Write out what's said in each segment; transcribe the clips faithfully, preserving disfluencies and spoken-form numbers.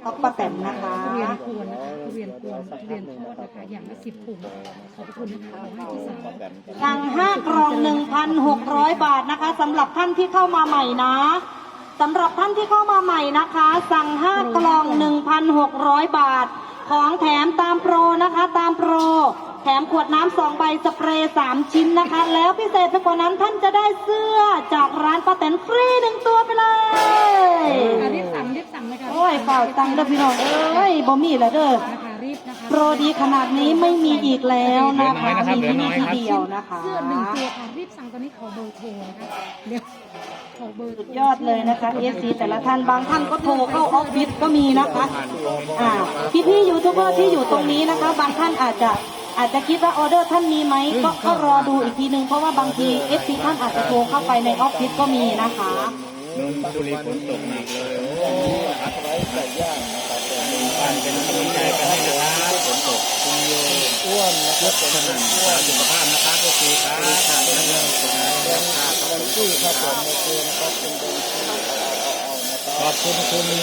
ต๊อกป้าแตนนะคะทุเรียนกวนนะคะทุเรียนกวนทุเรียนทอดนะคะอย่างละสิบถุงขอบคุณนะคะให้ที่สั่งสั่งห้ากล่อง หนึ่งพันหกร้อย บาทนะคะสำหรับท่านที่เข้ามาใหม่นะสำหรับท่านที่เข้ามาใหม่นะคะ สั่งห้ากล่อง หนึ่งพันหกร้อย บาทของแถมตามโปรนะคะตามโปรแถมขวดน้ำสองใบสเปรย์สามชิ้นนะคะแล้วพิเศษไปกว่านั้นท่านจะได้เสื้อจากร้านป้าแตนฟรีหนึ่งตัวไปเลยรีบสั่งรีบสั่งเลยค่ะโอ้ยเปล่าตังค์เด้อพี่น้องเอ้ยบ่มีแล้วเด้อนะคะรีบนะคะโปรดีขนาดนี้ไม่มีอีกแล้วนะคะมีที่นี่ที่เดียวนะคะเสื้อหนึ่งตัวค่ะรีบสั่งตอนนี้ขอเบอร์โทรนะคะเดี๋ยวขอเบอร์สุดยอดเลยนะคะเอฟซีแต่ละท่านบางท่านก็โทรเข้าออฟฟิศก็มีนะคะอ่าพี่พี่ยูทูบเบอร์ที่อยู่ตรงนี้นะคะ บางท่านอาจจะอาจจะคิดว่าออเดอร์ท่านมีไหมก็ก็รอดูอีกทีนึงเพราะว่าบางทีเอฟซีท่านอาจจะโทรเข้าไปในออฟฟิศก็มีนะคะนนทบุรีฝนตกหนักเลยโอ้ครับไว้ไก่ย่างนะครับบ้านเป็นกำลังใจกันให้นะครับฝนตกคุณโยอ้วนนะครับสนั่นสุขภาพนะครับทุกทีครับทางนั้นเลยนะวันที่ครับผมโอเคนะครับเป็นขอบคุณคุณคุณ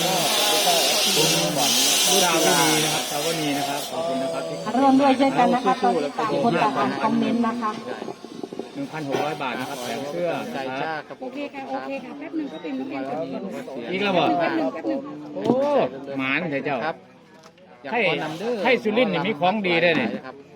ผู้ดาวนีนะครับสาวนีนะครับขอบคุณนะครับที่ร่วมด้วยช่วยกันนะคะตอนนี้ต่างคนต่างอ่านคอมเมนต์นะคะหนึ่งพันหกร้อยบาทนะครับแถมเสื้อนะครับโอเคค่ะโอเคค่ะแป๊บหนึงก็เป็นแป๊บหนึงอีกแล้วบ่แป๊บหนึงแป๊บหนึงโอ้หมานเถอะเจ้าให้ให้สุรินทร์นี่มีของดีได้เนี่ย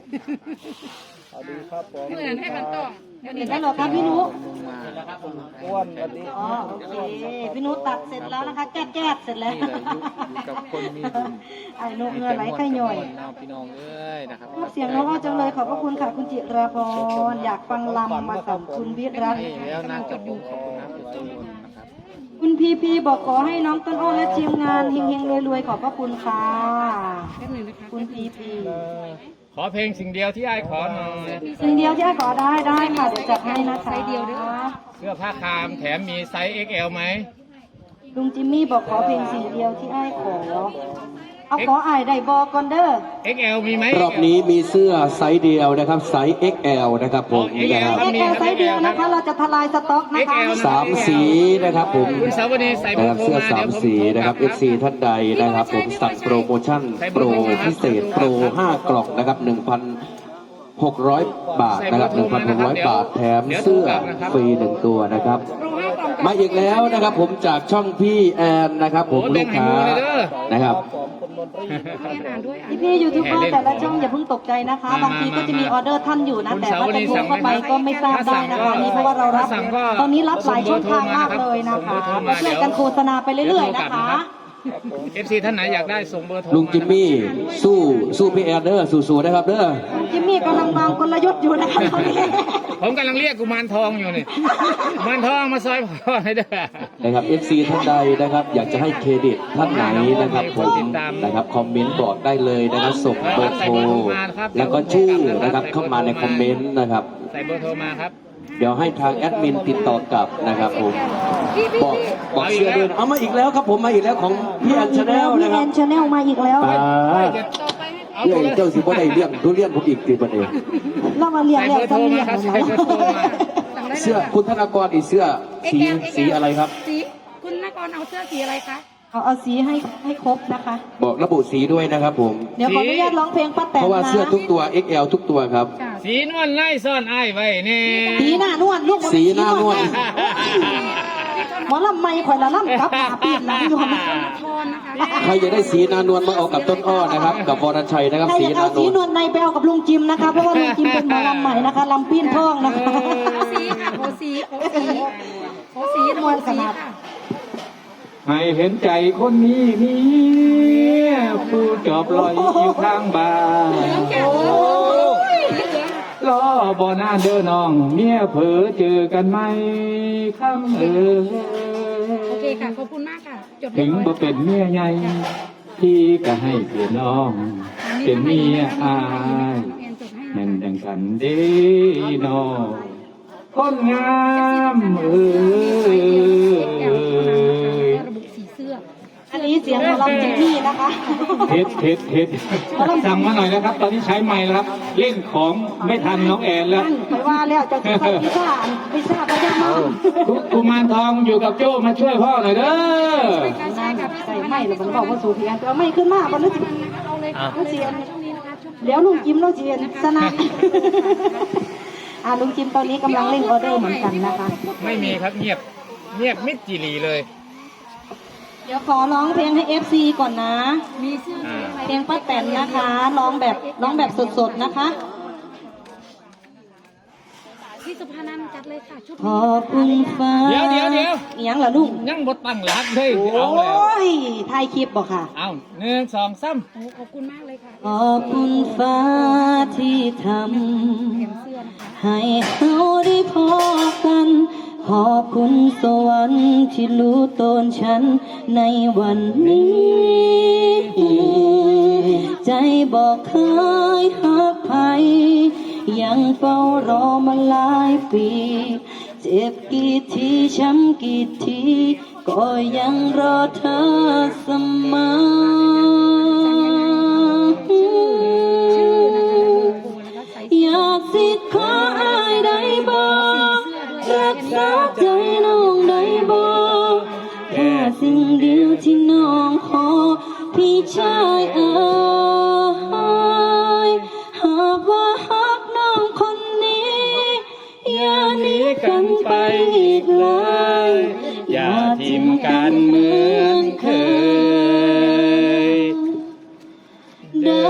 เมื่อนั้นให้มันต้องเดี๋ยวเห็นี้นได้หรอครับพี่นุอ้วนวันนี้อ๋อโอเคพี่นุตัดเสร็จแล้วนะคะแก้แก้เสร็จแล้วกับคนมีบุญไอ้นุเงินไหลไข่ย่อยพี่น้องเอ้ยนะครับเสียงน้องอ้อจังเลยขอบพระคุณค่ะคุณจิราพรอยากฟังลำมากับคุณวิรัตแล้วน่าจะดูขอบคุณนะทุกคนนะครับคุณพีพีบอกขอให้น้องต้นอ้อและทีมงานเฮงๆรวยๆขอบพระคุณค่ะแป๊บหนึงนะคะคุณพีพีขอเพลงสิ่งเดียวที่ไอ้ขอหน่อยสิ่งเดียวที่ไอ้ขอได้ได้ค่ะเดี๋ยวจัดให้นะคะเดียวด้วยเสื้อผ้าคามแถมมีไซส์ เอ็กซ์ แอล ไหมลุงจิมมี่บอกขอเพลงสิ่งเดียวที่ไอ้ขอเอาขอไอ้ได้บอกก่อนเด้อเอ็กซ์ แอล มีไหมรอบนี้มีเสื้อไซส์เดียวนะครับไซส์ เอ็กซ์ แอล นะครับผมนะครับเอ็กแอลไซส์เดียวนะคะเราจะทลายสต็อกนะคะสามสีนะครับผมคุณสาวนีใส่เบอนะคร์รับโทรเสื้อมาสาเดี๋ยวผมมสีนะครับ เอฟ ซี ท่านใดนะครับผมสั่งโปรโมชั่นโปรพิเศษโปรห้ากล่องนะครับหนึ่งพันหกร้อยบาทนะครับหนึ่งพันหกร้อยบาทแถมเสื้อฟรีหนึ่งตัวนะครับ มาอีกแล้วนะครับผมจากช่องพี่แอนนะครับผมลูกค้านะครับอ่านด้วยอ่านพี่พี่ยูทูบเบอร์แต่ละช่องอย่าเพิ่งตกใจนะคะ บางทีก็จะมีออเดอร์ท่านอยู่นะ แต่ว่าจะโทรเข้าไปก็ไม่ทราบได้นะคะนี่เพราะว่าเรารับตอนนี้รับหลายช่องทางมากเลยนะคะก็ช่วยกันโฆษณาไปเรื่อยๆนะคะเอฟซีท่านไหนอยากได้ส่งเบอร์โทรลุงจิมมี่สู้สู้พี่แอนเดอร์สู้ๆนะครับเด้อจิมมี่กำลังวางกลยุทธ์อยู่นะคะตอนนี้ผมกำลังเรียกกุมารทองอยู่นี่กุมารทองมาซอยพ่อให้เด้อนะครับ เอฟ ซี ท่านใดนะครับอยากจะให้เครดิตท่านไหนนะครับผมนะครับคอมเมนต์บอกได้เลยนะครับส่งเบอร์โทรแล้วก็ชื่อนะครับเข้ามาในคอมเมนต์นะครับใส่เบอร์โทรมาครับเดี๋ยวให้ทางแอดมินติดต่อกลับนะครับผมบอกบอกเสื้อด้วยนะเอามาอีกแล้วครับผมมาอีกแล้วของพี่แอนชาแนลพี่นะคแอรับนชาแนลมาอีกแล้วตาเรื่องเจ้าสิบ่ได้เลี้ยงทุเรียนผมอีกทีประเดี๋ยวเรามาเรียนใส่แล้วเบอร์โทจะรเรีมายนครับอะไรใส่เบอร์โทรมาเสื้อคุณธนากรอีกเสื้อสีสีอะไรครับสีคุณนกรเอาเสื้อสีอะไรคะเอาเอาสีให้ให้ครบนะคะบอกระบุสีด้วยนะครับผมเดี๋ยวขออนุญาตร้องเพลงป้าแตนเพราะว่านะเสื้อทุกตัว เอ็กซ์ แอล ทุกตัวครับสีนวลไล่ซ่อนไอ้ายไว้นี่สีหน้านวลลูกสีหน้านวลหมอลำไม่ข่อยละล่ำกับหาปีนหลังอยู่นะทอนนะคะใครจะได้สีนานวลมาเอากับต้นอ้อนะครับ กับวรชัยนะครับใครสีอยากนาเอานสีวลนวลในไปเอากับลุงจิมนะคะ เพราะว่าลุงจิมเป็นหมอลำใหม่นะคะลำปีนทองนะคะโอสีค่ะโอสีโอสีโอสีนวลขนาดค่ะให้เห็นใจคนนี้นี่ผู้จอบลอยอยู่ข้างบ้านรอบ่นานเด้อน้องเมียเผลอเจอกันไหมคำเออโอเคค่ะขอบคุณมากค่ะจดเรีถึยงบร้อยบ่เป็นเมียใหญ่พี่ก็ให้เป็นน้อง เป็นเมียอายแอนจดให้แม่นนะคะดังกันเดีน้องคนงามเออระบุสีเสื้ออันนี้เสียงหมอลำจิมมี่นะคะเทสเทสเทสสั่งมาหน่อยนะครับ ตอนนี้ใช้ไมค์แล้วครับเล่นของไม่ทันน้องแอนแล้วนั่นไปว่าแล้วจะใส่พิซซ่าพิซซ่าไปยังมากุกุมารทองอยู่กับโจ้มาช่วยพ่อหน่อยเด้อใส่ไม่หรือมันบอกว่าสูเพียนเอาไม่ขึ้นมาบนนึกเอาเลยอ่ะค่ะช่วงนี้นะคะช่วงเดี๋ยวลุงจิมเราเจียนสนะอ่าลุงจิมตอนนี้กำลังเล่นออเดอร์เหมือนกันนะคะไม่มีครับเงียบเงียบมิดจีรีเลยเดี๋ยวขอร้องเพลงให้ เอฟ ซี ก่อนนะมีเสื้ออ่าเพลงป้าแตนนะคะร้องแบบร้องแบบสดๆนะคะที่สุภานันท์จัดเลยค่ะชุดขอบคุณฟ้าเดี๋ยวเดี๋ยวเดี๋ยวอีหยังเหรอลุงยังบดตั้งหลักเลยโอเอาแล้ว้ยถ่ายคลิปบอกค่ะเอาหนึ่งสองสามโอ้ขอบคุณมากเลยค่ะขอบคุณฟ้าที่ทแถมเสื้อนะคะำให้เราได้พบกัน ขอบคุณสวรรค์ที่รู้ตนฉันในวันนี้ ใจบอกเคยหักใครยังเฝ้ารอมาหลายปี เจ็บกี่ทีช้ำกี่ที ก็ยังรอเธอเสมอชื่อนะคะโลโก้แล้วก็ใส่อยากสิขออายได้บอกรักษาใจน้องได้บอกแค่สิ่งเดียวที่น้องขอ พี่ชายเอ๋ยหากว่าฮักน้องคนนี้ อย่าหนีกันไปอีกเลยอย่าทิมกันเหมือนเคยเด้อ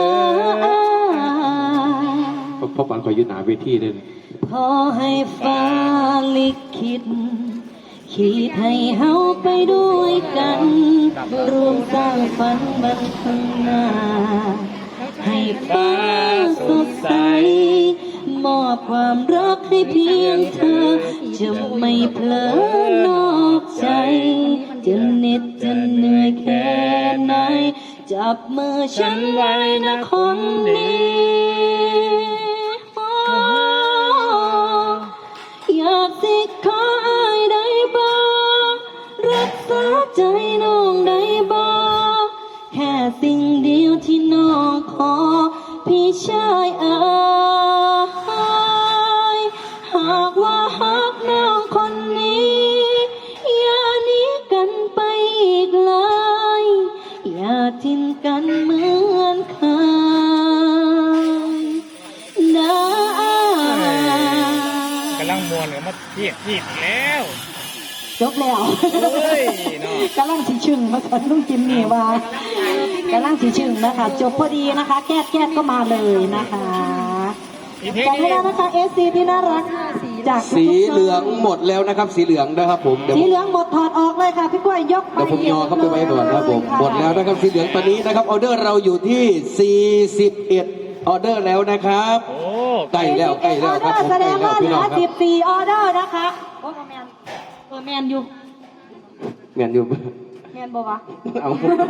พ่อปันขอยืนหนาเวทีเลยขอให้ฟ้าลิขิตขีดให้เฮาไปด้วยกันรวมสร้างฝันบันข้างหน้า ให้ฟ้าสดใส มอบความรักให้เพียงเธอ จะไม่เผลอนอกใจ จะเหน็ดจะเหนื่อยแค่ไหน จับมือฉันไว้นะคนนี้ อยากสิขออายได้บอกรักษาใจน้องได้บอกแค่สิ่งเดียวที่น้องขอ พี่ชายเอ๋ยหากว่าฮักน้องคนนี้ อย่าหนีกันไปอีกเลย อย่าทิ้งกันเหมือนเคยนะกำลังมวนกับมาเทียบจีบแล้วจบแล้วเฮ้ยเนาะกำลังสิชึงมาสันลุงจิมมี่ว่ากำลังสิชึงนะคะ จบพอดีนะคะ แก้แก้ก็มาเลยนะคะอีกเพลงจำนี้ไม่ได้นะคะเอสซีที่น่ารักจากทุกๆสีเหลืองหมดแล้วนะครับ สีเหลืองนะครับผมเดี๋ยวสีผมเหลืองหมดถอดออกเลยค่ะพี่กล้วยยกไปเดี๋ยวผมยอเข้าไปไว้ก่อนนะครับผมะหมดแล้วนะครับสีเหลืองตอนนี้นะครับออเดอร์เราอยู่ที่สี่สิบเอ็ดออเดอร์แล้วนะครับโอ้ใกล้แล้วใกล้แล้วครับผมแสใกดล้งแล้วว่าเหพี่ลืน้อองครับสิบสี่ออเดอร์นะคะโอ้แมนเออแมนอยู่เมียนอยู่แมนบอกว่าเอา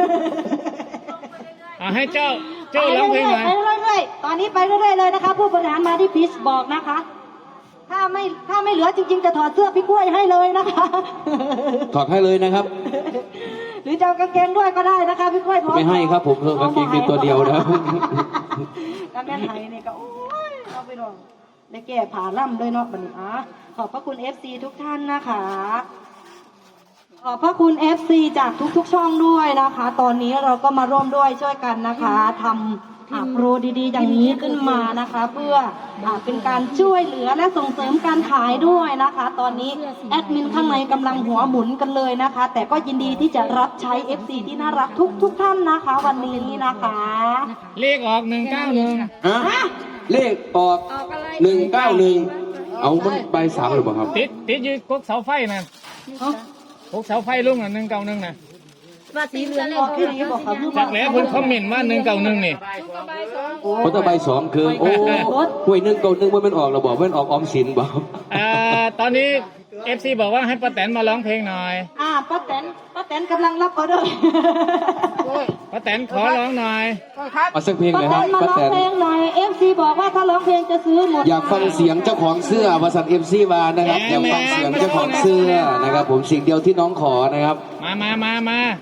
เอาให้เจ้าเจ้าร้องเพลงหน่อยไปเรื่อยๆตอนนี้ไปเรื่อยๆเลยนะคะ ผู้บริหารมาที่พีชบอกนะคะ ถ้าไม่ถ้าไม่เหลือจริงๆจะถอดเสื้อพี่กล้วยให้เลยนะคะถอดให้เลยนะครับหรือจะเอากางเกงด้วยก็ได้นะคะพี่กล้วยพร้อมไม่ให้ครับผมเพิ่มกางเกงเป็นตัวเดียวนะครับกางเกงไทยนี่ก็โอ้ยเอาไปลองได้แก้ผ่าล่ำเลยเนาะบัดนี้อ่ะขอบพระคุณ เอฟ ซี ทุกท่านนะคะ ขอบพระคุณ เอฟ ซี จากทุกๆช่องด้วยนะคะ ตอนนี้เราก็มาร่วมด้วยช่วยกันนะคะทำอ่าโปรดีๆ อย่างนี้ขึ้นมานะคะ เพื่ออ่าเป็นการช่วยเหลือและส่งเสริมการขายด้วยนะคะ ตอนนี้แอดมินข้างในกำลังหัวหมุนกันเลยนะคะ แต่ก็ยินดีที่จะรับใช้ เอฟ ซี ที่น่ารักทุกๆท่านนะคะ วันนี้นะคะเลขออกหนึ่งเก้าหนึ่งฮะเลขออกหนึ่งเก้าหนึ่งเอามันใบสามหรือเปล่าครับติดติดอยู่กกเสาไฟนะกกเสาไฟลุงน่ะหนึ่งเก้าหนึ่งนะว่าสีเหลืองออกแค่นี้บอกค่ะจากแล้วคุณคอมเมนต์ว่าหนึ่งเก้าหนึ่งนี่เพราะถ้าใบสองคือโอ้หวยหนึ่งเก้าหนึ่งว่ามันออกเราบอกว่ามันออกออมสินบ่ครับอ่าตอนนี้เอฟซีบอกว่าให้ป้าแตนมาร้องเพลงหน่อยอ่าป้าแตนป้าแตนกำลังรับออเดอร์ป้าแตนขอร้องหน่อยเอาสักเพลงป้าเลยแตครับนมาป้าร้องแตนเพลงหน่อย เอฟ ซี บอกว่าถ้าร้องเพลงจะซื้อหมดอยากฟังเสียงเจ้าของเสื้อวาสันเอฟซีวานะครับอยากฟังเสียงเจ้าของเสื้อนะครับ ผมสิ่งเดียวที่น้องขอนะครับมามามามา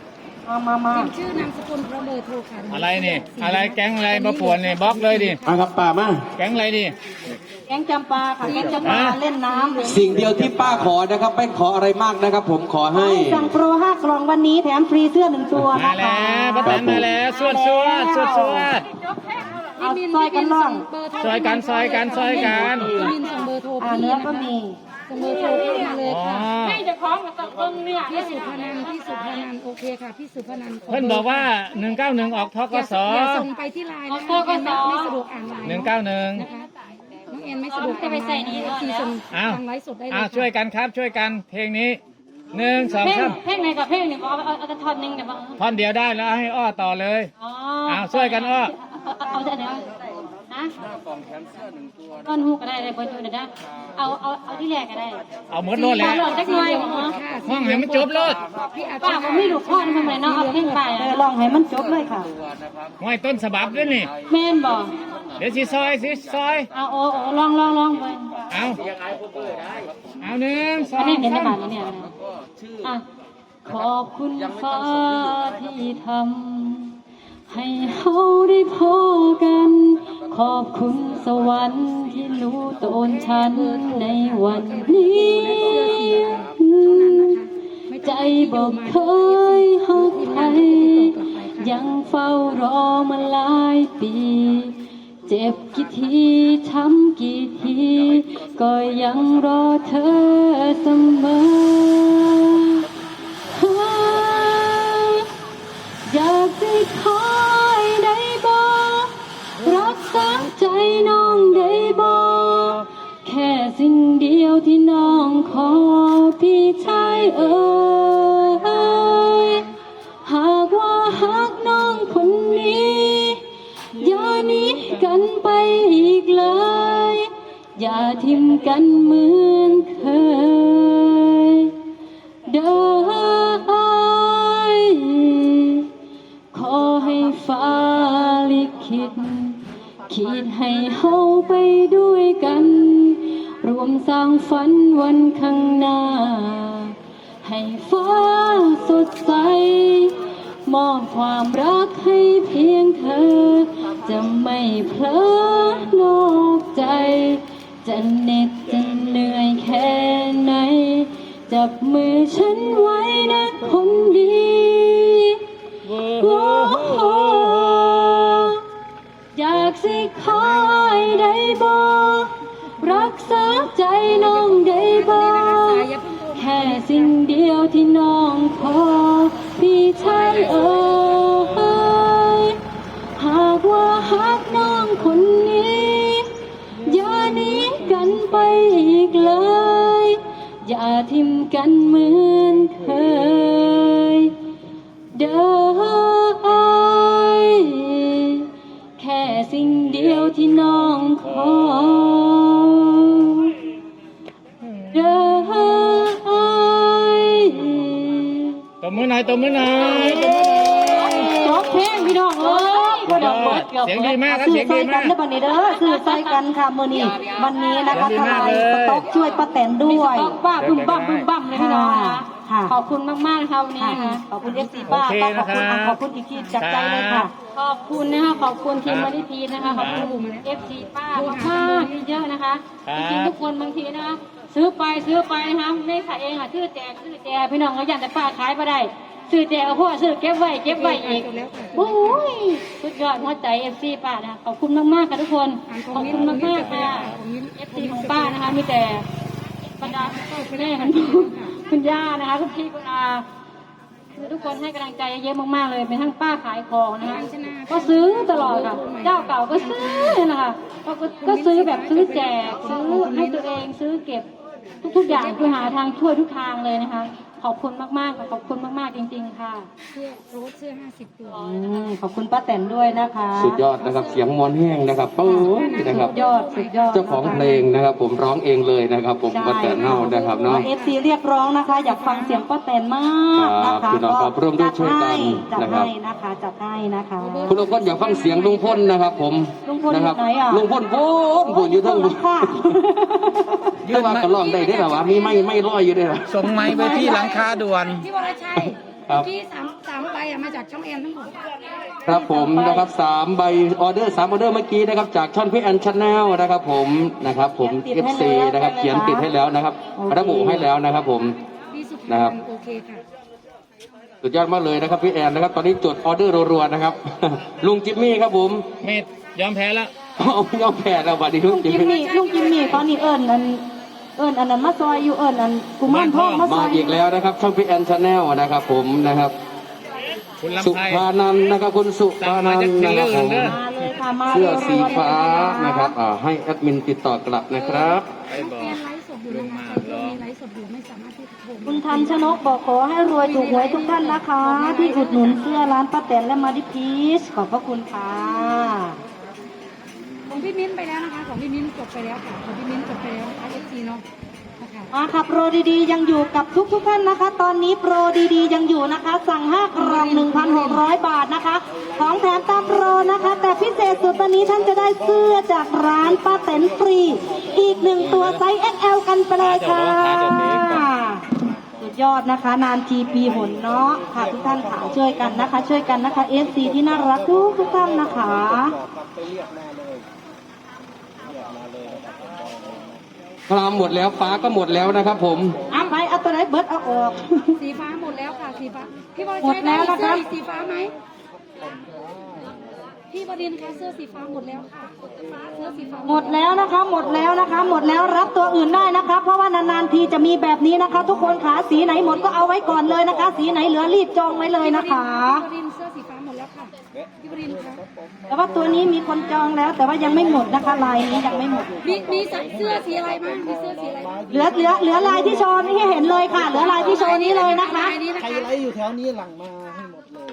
เอามามาพิมพ์ชื่อนามสกุลพร้อมเบอร์โทรค่ะอะไรนี่อะไรแก๊งอะไรมาป่วนนี่บล็อกเลยดิมาครับป้ามาแก๊งอะไรดิแกงจำปาค่ะแกงจำปาเล่นน้ำสิ่งเดียวที่ป้าขอนะครับไม่ขออะไรมากนะครับ ผมขอให้สั่งโปรห้ากล่องวันนี้แถมฟรีเสื้อหนึ่งตัวมานะแล้คะวป้าแตนมาแล้วสวดสวดสวดสวดเอาซอยกันล่องเบอร์โทรซอยกันซอยกันซอยกันพี่มินส่งเบอร์โทรอ่าพี่เนื้อนะก็คะมีส่งเบอร์โทรเข้ามาเลยอ๋อค่ะให้จะคล้องกับตะเบิ้งเนี่ยพี่สุพนันท์พี่สุพนันท์โอเคค่ะพี่สุพนันท์ขเพื่อนบอกว่าหนึ่งเก้าหนึ่งออกทกอย่าสอย่าส่งไปที่ไลน์นะคะน้องแอนไม่ไม่สะดวกอ่านไลน์หนึ่งเก้าหนึ่งนะคะน้องแอนไม่สะดวกอ่านไลน์ที่ส่งอ้าวทางไลฟ์สดได้เลยอ้าวค่ะช่วยกันครับช่วยกันเพลงนี้หนึ่งสองเพลงสามเพลงไหนกับเพลงหนึ่งเอาเอาเอากระท่อนหนึ่งเดี๋ยวมาท่อนเดียวได้แล้วให้อ้อต่อเลยอ๋ออ้าวช่วยกันอ้อเอาเอาเอาเดี๋ยวนะก้อนหูก็ได้เลยเบอร์ดูเดี๋ยวนะเอาเอาเอาที่แรกก็ได้เอาหมดโลดแล้วหลอดจักหน่อยเหรอค่ะห้องให้มันจบโลดพี่อาจป้าจะผมไม่รู้พ่อทำไมเนาะเอาเพลงไปลองให้มันจบเลยค่ะห้อยต้นฉบับด้วยนี่แม่นบอกเดี๋ยวสิซอยสิซอยเอาโอ้โอ้ลองลองลองไปเอาเอาหนึ่งสออันงนี้เห็นในสามบาทนี้เนี่ยอ่ะขอบคุณฟ้าที่ทำให้เราได้พอกัน ขอบคุณสวรรค์ที่รู้ตนฉันในวันนี้ ใจบอกเคยหักใครยังเฝ้ารอมาหลายปี เจ็บกี่ทีช้ำกี่ทีก็ยังรอเธอเสมอ อยากจะคอยได้บอกรักษาใจน้องได้บอกแค่สิ่งเดียวที่น้องขอพี่ชายเอ๋ยหากว่าหักน้องคนนี้อย่าหนีกันไปอีกเลยอย่าทิ้มกันเหมือนเคยเด้อขอให้ฟ้าลิขิตคิดให้เฮาไปด้วยกัน รวมสร้างฝันวันข้างหน้า ให้ฟ้าสดใส มอบความรักให้เพียงเธอ จะไม่เผลอนอกใจ จะเหน็ดจะเหนื่อยแค่ไหน จับมือฉันไว้นะคนดี โอ้โหอยากสิคอยได้บอกรักษาใจน้องได้บอกแค่สิ่งเดียวที่น้องขอพี่ชายเอ๋ยหากว่าหักน้องคนนี้อย่าหนีกันไปอีกเลยอย่าทิ้มกันเหมือนเคยเด้อแค่สิ่งเดียวที่น้องขอเด้อตบมือหน่อยตบมือหน่อยตบมือหน่อยจบเพลงพี่น้องเอ้ยบ่ดอกเบิดกือบเสียงดีมากครับสื่เสีอยงใส่ดีกัมาน กนะบัดนี้เด้อสื่อใส่กันค่ะมื้อนี้วันนี้นะคะเสีทยงดีมากลายเลยสต็อกช่วยป้าแตนด้วยป้าบึ้มบั่มบึ้มบั่มเลยพี่น้องนะคะค่ะขอบคุณมากๆนะคะวันนี้ค่ะนะคะขอบคุณเอฟซีป้าโอเคต้องขอบคุณนะครับขอบคุณอีกทีจากใจเลยค่ะขอบคุณนะคะขอบคุณทีมครับมาริพีนะคะขอบคุณเอฟซีป้ามากๆเยอะๆนะคะครับจริงๆทุกคนบางทีนะคะซื้อไปซื้อไปนะคะไม่ขายเองค่ะซื้อแจกซื้อแจกพี่น้องก็อยากแต่ป้าขายมาได้ซื้อแจกเอาพวกซื้อเก็บไว้เก็บไว้อีกโอ้ยสุดยอดหัวใจเอฟซีป้านะคะขอบคุณมากๆค่ะทุกคนขอบคุณมากๆค่ะเอฟซีของป้านะคะมีแต่บรรดาคุณแม่คุณคุณย่านะคะคุณพี่คุณอาคือทุกคนให้กำลังใจเยอะมากๆเลยเป็นทั้งป้าขายของนะคะก็ซื้อตลอดค่ะเจ้าเก่าก็ซื้อนะคะก็ก็ก็ซื้อแบบซื้อแจกซื้อให้ตัวเองซื้อเก็บทุกๆอย่างคือหาทางช่วยทุกทางเลยนะคะ ขอบคุณมากๆค่ะขอบคุณมากๆจริง ๆ ค่ะเสื้อโรสเสื้อห้าสิบตัวอืมขอบคุณป้าแตนด้วยนะคะสุดยอดนะครับเสียงมอนแห้งนะครับโอ้ยนะครับสุดยอดสุดยอดเจ้าของเพลงนะครับ ผมร้องเองเลยนะครับ ผมป้าแตนเน่านะครับเนาะเอฟซีเรียกร้องนะคะ อยากฟังเสียงป้าแตนมากนะครัคะบพี่น้องครับร่วมด้วยช่วยกันจัดนะครับให้นะคะจัดให้นะคะคุณลุงพลอยากฟังเสียงลุงพลนะครับ ผมลุงพลอยู่นะครับไหนอ่ะลุงพลพูนพูนอยู่ทั้งค่ะยืนมาก็ร้องได้ได้หรอวะมีไม่ไม่ร้อยอยู่ได้หรอส่งไม้ไปที่หลังคาด่วนพี่วรชัยครับที่สามสามใบอะมาจากช่องแอนทั้งหมดครับผมนะครับสามใบออเดอร์สามออเดอร์เมื่อกี้นะครับจากช่องพี่แอนชาแนลนะครับผมนะครับผม เอฟ ซี นะครับเขียนติดให้แล้วนะครับระบุให้แล้วนะครับผมพี่สุภานะครับพโอเคค่ะสุดยอดมากเลยนะครับพี่แอนนะครับตอนนี้จดออเดอร์รัวๆนะครับ ลุงจิมมี่ครับผมไม่ยอมแพ้แล้วเอายอมแพ้แล้วบัดนี้ลุลุงงจิจิมมมี่มี่ลุงจิมมี่ตอนนี้เอิญอันเอิญอันนั้นมาซอยอยู่เอิญอันกุมารทองมาซมาอยอีกแล้วนะครับช่องพี่แอนชาแนลนะครับผมนะครับคุณสุลำไพภานันท์นะครับคุณสุภานันท์นะครับผมมาเลยค่ะมาเสื้อสีฟ้ารัวๆนะครับอ่าให้แอดมินติดต่อกลับนะครับไปบอแอก นไลฟ์สดอยู่นะคะใครที่มีไลฟ์สดอยู่ไม่สามารถที่จะโทรคุณทันชนกบอกขอให้รวยถูกหวยทุกท่านนะคะ ที่อุดหนุนเสื้อร้านป้าแตนและมาดิพีชขอบพระคุณค่ะของพี่มิ้นไปแล้วนะคะ ของพี่มิ้นจบไปแล้วค่ะ ของพี่มิ้นจบไปแล้วนะคะเอฟซีเนาะนะคะมาค่ะโปรดีๆยังอยู่กับทุกทุกๆท่านนะคะ ตอนนี้โปรดีๆยังอยู่นะคะ สั่งห้ากล่องหนึ่งพันหกร้อยบาทนะคะ ของแถมตามโปรนะคะ แต่พิเศษสุดตอนนี้ท่านจะได้เสื้อจากร้านป้าแตนฟรี อีกหนึ่งตัวไซส์ เอ็กซ์ แอล กันไปเลยค่ะ สุดยอดนะคะ นานทีปีหนเนาะค่ะทุกท่านค่ะช่วยกันนะคะ ช่วยกันนะคะ เอฟ ซี ที่น่ารักทุกทุกท่านนะคะคลามหมดแล้วฟ้าก็หมดแล้วนะครับผมเอาไปเอาตัวไหนเบิร์ดเอาออกสีฟ้าหมดแล้วค่ะสีฟ้าพี่บอลหมดใช้แล้ได้วนะคะเสื้อสีฟ้าไหมพี่บดินทร์คะเสื้อสีฟ้าหมดแล้วค่ะเสื้อสีฟ้าหมดแล้วนะคะ หมดแล้วนะคะ หมดแล้วรับตัวอื่นได้นะคะ เพราะว่านานๆทีจะมีแบบนี้นะคะ ทุกคนขาสีไหนหมดก็เอาไว้ก่อนเลยนะคะ สีไหนเหลือรีบจองไว้เลยนะคะพี่บดินทร์เสื้อสีฟ้าหมดแล้วค่ะพี่บดินทร์คะแต่ว่าตัวนี้มีคนจองแล้ว แต่ว่ายังไม่หมดนะคะลายนี้ยังไม่หมดมีมีใส่เสื้อสีอะไรบ้างมีเสื้อสีอะไรบ้างเหลือเหลือเหลือลายที่โชว์นี่ให้เห็นเลยค่ะ เหลือลายที่โชว์นี้เลยนะคะลายนี้นะใครคะไลฟ์อยู่แถวนี้หลังมาให้หมดเลย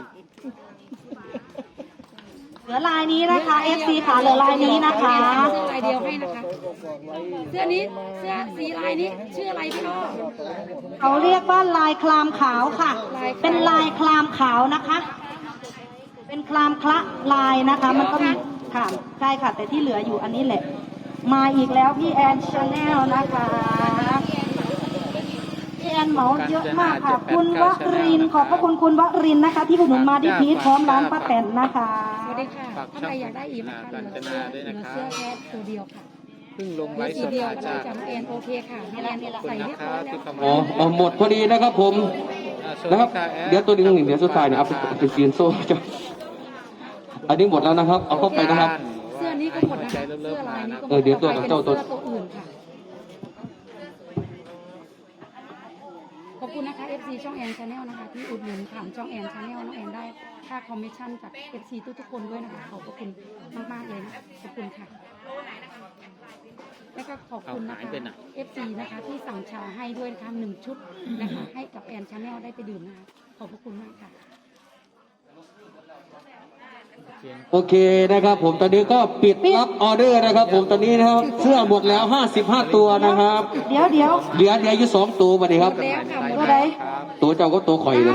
เหลือลายนี้นะคะ เอฟ ซี ค่ะเหลือลายนี้นะคะเสื้อลายเดียวให้นะคะ เสื้อนี้เสื้อสีลายนี้ชื่ออะไรพี่อ้อเขาเรียกว่าลายคลามขาวค่ะ เป็นลายคลามขาวนะคะ เป็นคลามคละลายนะคะ มันก็มีค่ะใช่ค่ะ แต่ที่เหลืออยู่อันนี้แหละ มาอีกแล้วพี่แอนชาแนลนะคะพี่แอนเหมาเยอะมากค่ะ คุณวรินทร์ขอบพระคุณคุณวรินทร์นะคะ ที่อุดหนุนมาที่พีทพร้อมร้านป้าแตนนะคะสวัสดีค่ะถ้าใครอยากได้อีกนะคะเหลือเสื้อเหลือเสื้อแค่ตัวเดียวค่ะเพิ่งลงเหไลลือฟ์สีสดเดียวมาเลยจากจากน้องแอนโอเคค่ะน้องแอนใส่เรียบร้อยแล้วอ๋ออ๋อหมดพอดีนะครับผมนะครับ เดี๋ยวตัวนี้หนึ่งเดี๋ยวสุดท้ายเนี่ยเอาไปไปซีนโซ่จ้ะอันนี้หมดแล้วนะครับ เอาเข้าไปนะครับเสื้อนี้ก็หมดนะคะเสื้อลายนี้ก็หมดเออเดี๋ยวตัวกับเจ้าตัวเสื้อตัวอื่นค่ะขอบคุณนะคะ เอฟ ซี ช่องแอนชาแนลนะคะที่อุดหนุนผ่านช่องแอนชาแนลน้องแอนได้ค่าคอมมิชชั่นจาก เอฟ ซี ทุกๆคนด้วยนะคะขอบพระคุณมากๆเลยนะขอบคุณค่ะแล้วก็ขอบคุณนะคะ เอฟ ซี นะคะที่สั่งชาให้ด้วยนะคะหนึ่งชุดนะคะให้กับแอนชาแนลได้ไปดื่มนะคะขอบพระคุณมากค่ะโอเคนะครับ ผมตอนนี้ก็ปิดรับออเดอร์นะครับ ผมตอนนี้นะครับเสื้อหมดแล้วห้าสิบห้าตัวนะครับเดี๋ยวเดี๋ยวเหลือเหลืออยู่สองตัวบัดนี้ครับแล้วค่ะตัวไหนตัวเจ้าก็ตัวข่อยเลย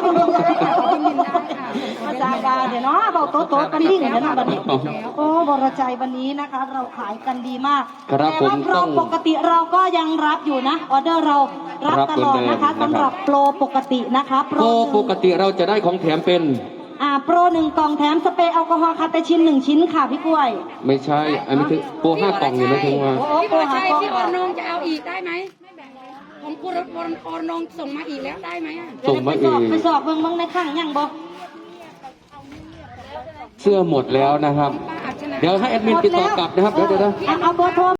ภาษากาเดี๋ยวเนาะเบาโต๊ะโต๊ะกันดิ่งเดี๋ยวนะบันนี้โอ้บรจัยวันนี้นะคะ เราขายกันดีมากครับแต่ว่าผมโปรต้องปกติเราก็ยังรับอยู่นะออเดอร์เรารับรับตลอดเหมือนเดิมนะคะนะครับสำหรับโปรปกตินะคะโปรปกติเราจะได้ของแถมเป็นอ่าโปรหนึ่งกล่องแถมสเปรย์แอลกอฮอล์คาเตชินหนึ่งชิ้นค่ะพี่กล้วยไม่ใช่ อันนี้คือโปรห้ากล่องนี่ไม่ถึงว่าโอ้พี่โปบรอลหาชัยกล่องพี่ออนงจะเอาอีกได้ไหมของคุณรถบอลออนงส่งมาอีกแล้วได้ไหมอ่ะส่งมาไปเอสอบงไปสอบเบิ่งเบิ่งในข้างยังบ่เสื้อหมดแล้วนะครับป้าอัจฉริยะเดี๋ยวให้แอดมินติดต่อกลับนะครับ เดี๋ยวเดี๋ยวเดี๋ยวเอาเอาเบอร์โทร